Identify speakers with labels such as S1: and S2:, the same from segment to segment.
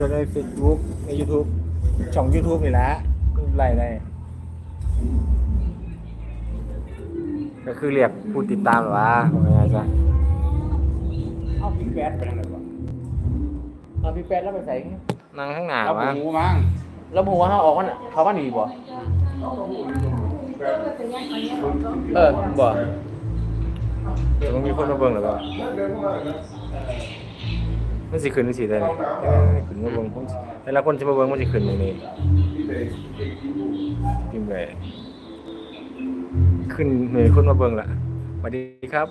S1: ใน Facebook ใน YouTube ช่อง YouTube นี่แหละไล่ได้ก็คือเรียกผู้ติดตามหรอวะว่าไงจ๊ะ
S2: เอาพี่แป๊ดไปนั่งไหนวะเอาพี่แป๊ดแล้วไปใส่
S1: นั่งข้างหน้า
S2: เรา
S1: วะ
S2: หูมั้งแล้วหูว่าเขาออกมันเขาว่าหนีบ่บ่
S1: จะต้องมีคนมาเบิ่งหรือเปล่ามันสิขึ้นสิได้เลยขึ้นมาเบิ่งผมแต่ละคนจะมาเบิ่งมันสิขึ้นอย่างนี้พิมพ์ไปขึ้นเหนื่อยคนมาเบิ่งละสวัสดีครับ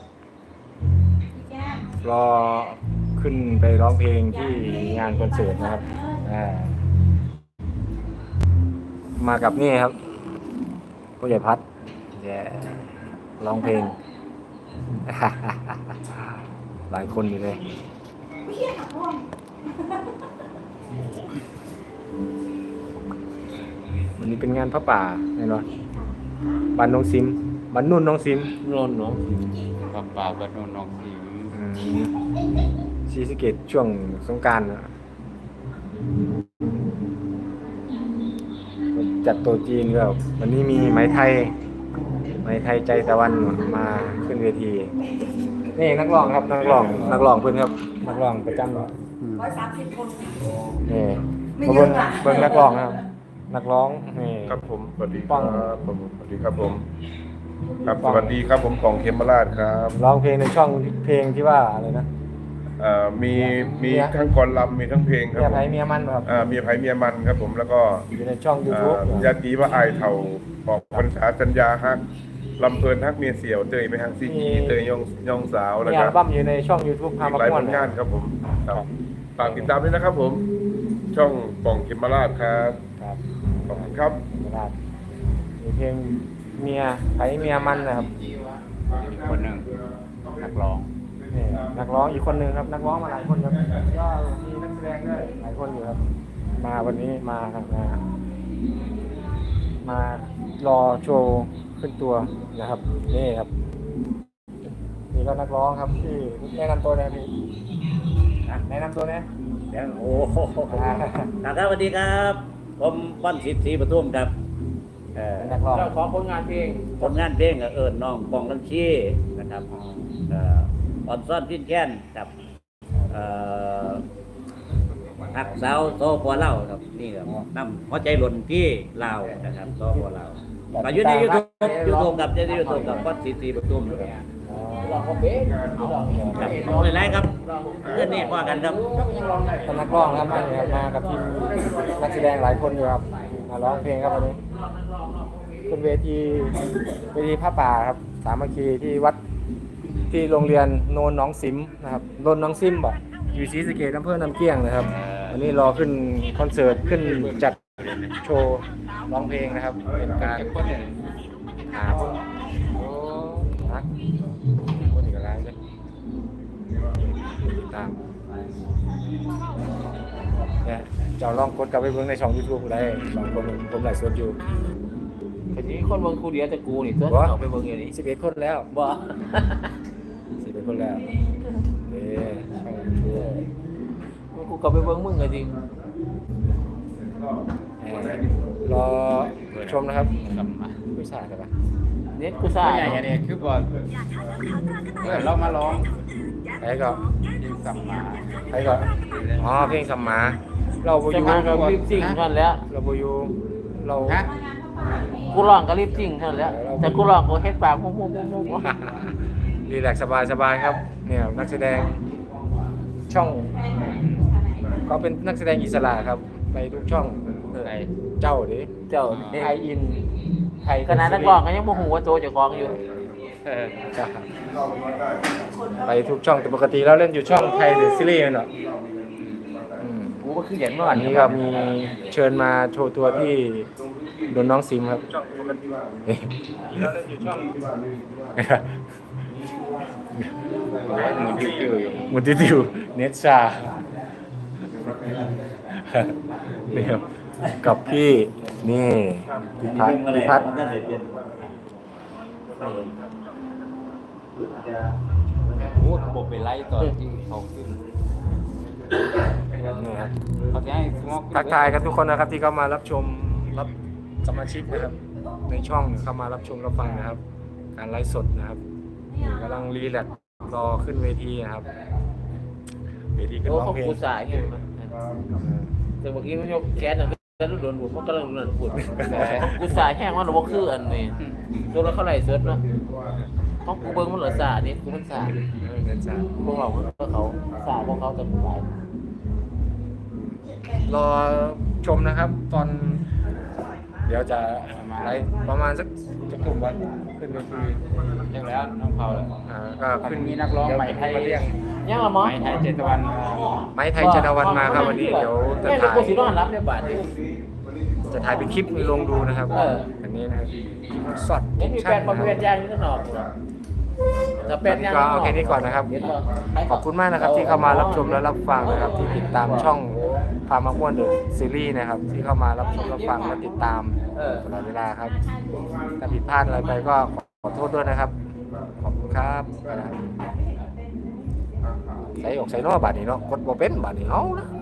S1: รอขึ้นไปร้องเพลงที่งานคอนเสิร์ตนะครับมากับนี่ครับผู้ใหญ่พัดร้องเพลง หลายคนอยู่เลยวันนี้เป็นงานพระป่าแน่นอนบ้านน้องซิมบ้านนุ่นน้องซิม
S2: โน่นน้องกับป่าบ้านโน่นน้องสิม
S1: ศรีสะเกษช่วงสงกรานต์จัดโต๊ะจีนก็วันนี้มีไหมไทยใจตะวันมาขึ้นเวทีนี่นักร้องครับนักร้องเพื่อนครับนักร้องประจำ130 คนนี่มาเบิ่งนักร้องครับนักร้องนี่
S3: ครับผมสวัสดีครับผมสวัสดีครับผมครับสวัสดีครับผมของเขมราชครับ
S1: ร้องเพลงในช่องเพลงที่ว่าอะไรนะ
S3: มีทั้งกลลำมีทั้งเพลงครับ
S1: เมียไผ่เมียมันครับ
S3: เมียไผ่เมียมันครับผมแล้วก็
S1: อยู่ในช่อง YouTube
S3: ญาติว่าอายเถ่าบอกพรรษาจัญญาฮักลำเพลินฮักเมียเสี่ยวเตยไปฮักซีกีเตยยองสาวแล้ว
S1: มี
S3: ค
S1: อั
S3: รั
S1: ล
S3: บ
S1: บั้มอยู่ในช่อง YouTube พามา
S3: หลาย
S1: ม่
S3: ผ
S1: วน
S3: ลงานครับผมครับฝากติดตามด้วยนะครับผมช่องป่องเขมราชครับ
S1: ครับ
S3: ขอบคุณครับ
S1: ครับมีเพลงเมียไผ่เมียมันนะครับ
S2: คนหนึ่งนักร้อง
S1: นี่นักร้องอีกคนหนึ่งครับนักร้องมาหลายคนครับก็มีนักแสดงด้วยหลายคนอยู่ครับมาวันนี้มาครับมารอโชว์ขึ้นตัวนะครับนี่ครับนี่ก็นักร้องครับที่แนะนำตัวนะพี่แนะนำตัวนะ
S4: เดี๋ยวโอ้โหครับสวัสดีครับ ผมป้อนสิทธิ์ศรีปทุมครับ
S1: นักร้อง
S2: เราขอผลงานเพลง
S4: ผลงานเพลงเอิญน้องปองลังชีนะครับอ่อนซ่อนพินแค้นกับหักสาวโซฟอเล่าครับนี่ครับนำหัวใจหล่นที่ลาวนะครับโซฟอเล่ามาอยู่ในยูทูบกับในยูทูบกับป้อนสิทธิ์ศรีปทุมครับ
S2: เราขอเบ๊ะ
S4: ครับหลายๆครับเพื่อนนี่ว่ากันครับ
S1: เป็นนักร้องครับมากับทีมนักแสดงหลายคนอยู่ครับมาร้องเพลงครับวันนี้เป็นเวทีผ้าป่าครับสามัคคีที่วัดที่โรงเรียนโนนหนองสิมนะครับโนนหนองซิมบ่อยู่ศรีสะเกษอำเภอน้ำเกลี้ยงนะครับวันนี้รอขึ้นคอนเสิร์ตขึ้นจัดโชว์ร้องเพลงนะครับเป็นการหาคนโอ้ฮักคนอีกแล้วเลยตามเนี่ยเจ้าลองกดกลับไปเบิ่งในช่อง YouTube ได้2 คนผมไลฟ์สดอยู่
S2: ทีนี้คนเบิ่งครูเดียวแต่กูนี่ตัวเขาไปเบิ่งอย่างนี้
S1: 11 คนแล้ว
S2: บ่
S1: 11 คนแล้วช่อง YouTube
S2: กูก็ไปเบิ่งมึงจริง
S1: รอชมนะครับ
S2: กลับมา
S1: ผู้ชายใช่ปะ
S2: เน็ตกูซ่าใหญ่อันนี้คือบอลเรามาร้อง
S1: ไอ้ก็
S2: ยิงสัมมา
S1: ไอ้ก็อ๋อเพลงสัมมาเราบ่อ
S2: จะ
S1: ยู่
S2: มากับรีบจริงท่านแล้ว
S1: เราบ่อยู่เรา
S2: กูร้องก็รีบจริงท่านแล้วแต่กูร้องกูเฮ็ดปากมุ้ง
S1: รีแลกซ์สบายครับเนี่ยนักแสดงช่องก็เป็นนักแสดงอิสระครับไปทุกช่องเจ้าดิ
S2: เจ้า
S1: ไทยอินไทย
S2: ขนาดนักร้องก็ยังบ่ฮู้ว่าโตเจ้าของอยู่
S1: ครับไปทุกช่องแต่ปกติเราเล่นอยู่ช่องไทยหรือซีรีส์เนาะ
S2: กูก็คืออย่างนอ
S1: อั
S2: น
S1: นนี้ก็มีเชิญมาโชว์ตัวที่โดนน้องซิมครับเราเล่นอยู่ช่องมุนติวเนชานี่ครับกับพี่นี่พิพัฒน์
S2: โอ้ระบบไปไล่ตอนที่เขาขึ้น
S1: นี่ครับ
S2: เขาจะให้สมอก
S1: ทักทายกันทุกคนนะครับที่เข้ามารับชมรับสมาชิกนะครับ ในช่องเข้ามารับชมรับฟังนะครับ การไลฟ์สดนะครับกำลังรีแลกซ์รอขึ้นเวทีนะครับเวทีขึ้น
S2: โอ้
S1: ร้อง
S2: เขา
S1: เพลง
S2: กูสายเงี้ยแต่เมื่อกี้มันยกแก๊สน่ะแล้วโดนบุญมันก็เลยโดนบุญกูสายแห้งมันหรือว่าคืออันนี้ตัวแล้วเขาไหลเซิร์ชเนาะห้องกูเบิ้งมันเหลือสานี่กูมันสา
S1: เงินจ้า
S2: พวกเราก็เขาสาพวกเขาจะหลาย
S1: รอชมนะครับ ตอน เดี๋ยวจะไลฟ์ประมาณสักทุ่มวันขึ้นเวที
S2: ยังแล้วน้องเขาแล้ว
S1: ก็ขึ้น
S2: มีนักร้องใหม่ไทย
S1: มาเรียก
S2: ยังละมั้งไทยเจตวัน
S1: ไม้ไทยชนวันมาครับวันนี้เดี๋ยวจะ
S2: แม่
S1: ถ่าย
S2: กูสิร้อนรับเนี่ยบาทนี่
S1: จะถ่ายเป็นคลิปลงดูนะครับ
S2: เออ
S1: อันนี้นะครับสด
S2: เห็นมีแฟนมาเป็นยางนี่ก็หนอกแต่เป็นยาง
S1: ก็เอาแค่นี้ก่อนนะครับ ขอบคุณมากนะครับที่เข้ามารับชมและรับฟังนะครับ ที่ติดตามช่องพามาม่วนเดอะซีรีส์นะครับ ที่เข้ามารับชมรับฟังและติดตามตลอดเวลาครับถ้าผิดพลาดอะไรไปก็ขอโทษด้วยนะครับ ขอบคุณครับใส่อกใส่นอบาทนี้เนาะกดบ่เป็นบาทนี้เอานะ